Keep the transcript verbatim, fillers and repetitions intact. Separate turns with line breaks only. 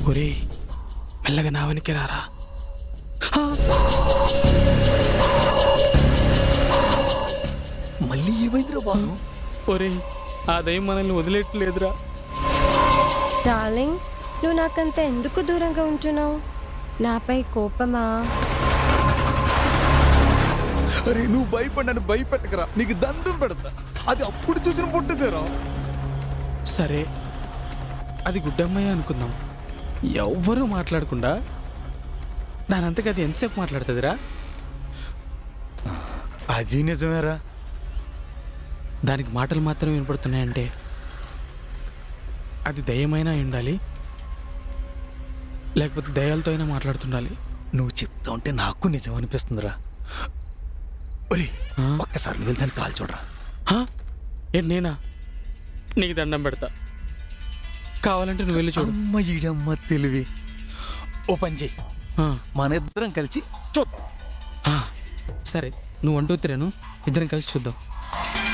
ఒరే మెల్లగా నా వెనక్కి రారా.
మళ్ళీ ఏమైందిరా బాను?
ఒరే ఆ దయ్యం మనల్ని వదిలేట్లేదురా.
డార్లింగ్, నువ్వు నాకంత ఎందుకు దూరంగా ఉంటున్నావు? నాపై కోపమా?
అరే నువ్వు భయపడ్డాను భయపెట్టకరా, నీకు దండం పెడతా. అది అప్పుడు చూసిన పుట్టుదేరా.
సరే అది గుడ్డమ్మాయి అనుకుందాం. ఎవ్వరూ మాట్లాడకుండా దానంతకు అది ఎంతసేపు మాట్లాడుతుందిరా?
అది నిజమేరా.
దానికి మాటలు మాత్రం వినపడుతున్నాయంటే అది దయ్యమైనా అయి ఉండాలి, లేకపోతే దయ్యాలతో అయినా మాట్లాడుతుండాలి.
నువ్వు చెప్తా ఉంటే నాకు నిజం అనిపిస్తుందిరా. ఒరే ఒక్కసారి నువ్వు వెళ్తాను కాల్ చూడరా.
ఏంటి నేనా? నీకు దండం పెడతా, కావాలంటే నువ్వు వెళ్ళి చూడు.
అమ్మ ఈడమ్మ తెలివి. ఓ పని చెయ్యి, మన ఇద్దరం కలిసి చూద్దాం.
సరే నువ్వు అంటూ తిరాను, ఇద్దరం కలిసి చూద్దాం.